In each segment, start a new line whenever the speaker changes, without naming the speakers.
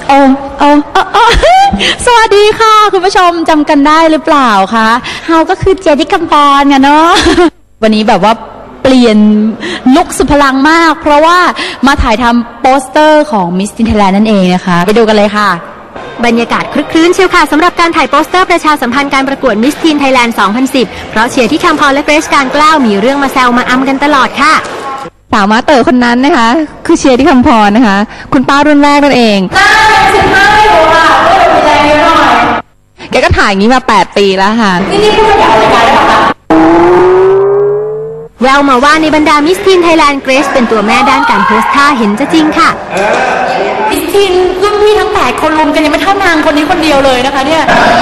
โอ้สวัสดีค่ะคุณผู้ชมจำกันได้หรือเปล่าคะเฮาก็คือเจที่กำปอนกันเนาะวันนี้แบบว่าเปลี่ยนลุคสุดพลังมากเพราะว่ามาถ่ายทำโปสเตอร์ของ Miss Teen Thailand นั่นเองนะคะไปดูกันเลยค่ะ
บรรยากาศคลึกคลื้นเชียวค่ะสำหรับการถ่ายโปสเตอร์ประชาสัมพันธ์การประกวด Miss Teen Thailand 2010 เพราะเชียร์ที่คำพรและเกรซการกล้าวมีเรื่องมาแซวมาอำกันตลอดค่ะ
สาวมาเต๋อคนนั้นนะคะคือเชียร์ที่คำพรนะคะคุณป้ารุ่นแรกนั่นเอง
15อยู่ค่ะก็เลยมีแรงเยอะหน่อย
แกก็ถ่ายอย่างนี้มา8 ปีแล้วค่ะ
นี่พูดมาจากรายการได้หรอคะ
แววมาว่าในบรรดา Miss Teen Thailand เกรซเป็นตัวแม่ด้านการโพสท่าเห็นจะจริงค่ะ
Miss Teen รุ่นพี่ทั้ง8คนรวมกันยังไม่เท่านางคนนี้คนเดียวเลยนะคะเนี่ย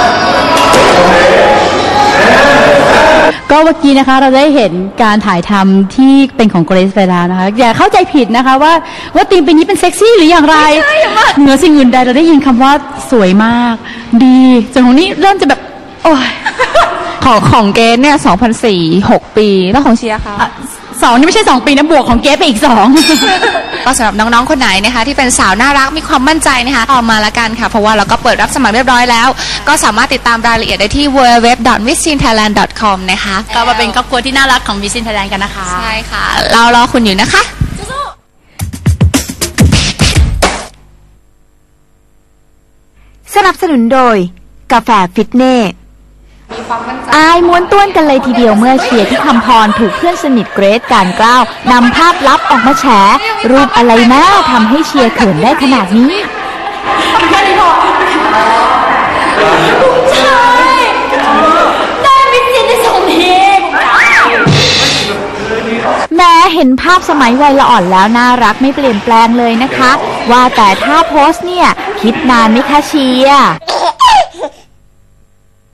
ก็เมื่อกี้นะคะเราได้เห็นการถ่ายทำที่เป็นของเกรซไปแล้วนะคะอย่าเข้าใจผิดนะคะว่าธีมปีนี้เป็นเซ็กซี่หรืออย่างไรเหนือสิ่งอื่นใดเราได้ยินคำว่าสวยมากดีจนของนี้เริ่มจะแบบโอ้ย
ของเกสเนี่ย2004 6 ปีแล้วของเชียร์ค่ะ
2นี่ไม่ใช่2 ปีนะบวกของเกสไปอีก2
ก็สำหรับน้องๆคนไหนนะคะที่เป็นสาวน่ารักมีความมั่นใจนะคะออกมาละกันค่ะเพราะว่าเราก็เปิดรับสมัครเรียบร้อยแล้วก็สามารถติดตามรายละเอียดได้ที่ www.missteenthailand.com นะคะ
ก็มาเป็นครอบครัวที่น่ารักของ Miss Teen Thailand กันนะคะ
ใช่ค่ะเรารอคุณอยู่นะคะ
สนับสนุนโดยกาแฟฟิตเน่อายม้วนต้วนกันเลยทีเดียวเมื่อเชียร์ที่คำพรถูกเพื่อนสนิทเกรซการกล้าวนำภาพลับออกมาแฉรูปอะไรนะทำให้เชียร์เขินได้ขนาดนี้
แค่นี้พอใช่ได้มิสซินได้ส่งเพลง
แม้เห็นภาพสมัยวัยละอ่อนแล้วน่ารักไม่เปลี่ยนแปลงเลยนะคะว่าแต่ถ้าโพสเนี่ยคิดนานไหมคะเชียร์